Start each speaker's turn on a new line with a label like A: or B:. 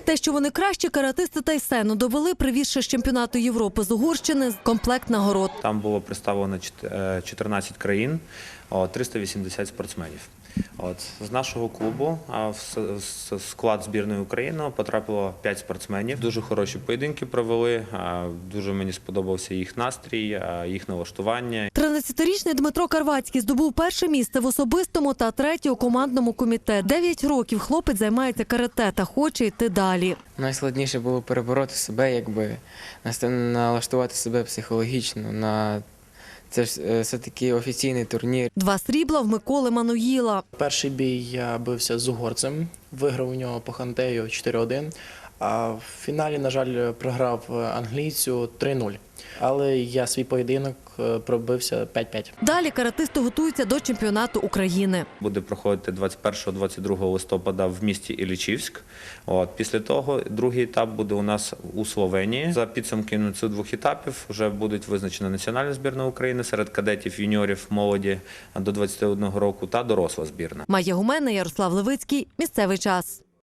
A: Те, що вони кращі каратисти Тайсену, довели, привізши з чемпіонату Європи з Угорщини комплект нагород.
B: Там було представлено 14 країн, 380 спортсменів. З нашого клубу в склад збірної України потрапило 5 спортсменів. Дуже хороші поєдинки провели, дуже мені сподобався їх настрій, їх налаштування.
A: 13-річний Дмитро Карвацький здобув перше місце в особистому та третє у командному комітеті. 9 років хлопець займається карате та хоче йти далі.
C: Найскладніше було перебороти себе, налаштувати себе психологічно. Це все-таки офіційний турнір.
A: 2 срібла в Миколи Мануїла.
D: Перший бій я бився з угорцем, виграв у нього по хантею 4-1, а в фіналі, на жаль, програв англійцю 3-0. Але я свій поєдинок пробився 5-5.
A: Далі каратисти готуються до чемпіонату України.
B: Буде проходити 21-22 листопада в місті Іллічівськ. Після того другий етап буде у нас у Словенії. За підсумками цих 2 етапів вже будуть визначена національна збірна України серед кадетів, юніорів, молоді до 21 року та доросла збірна.
A: Майя Гумена, Ярослав Левицький. Місцевий час.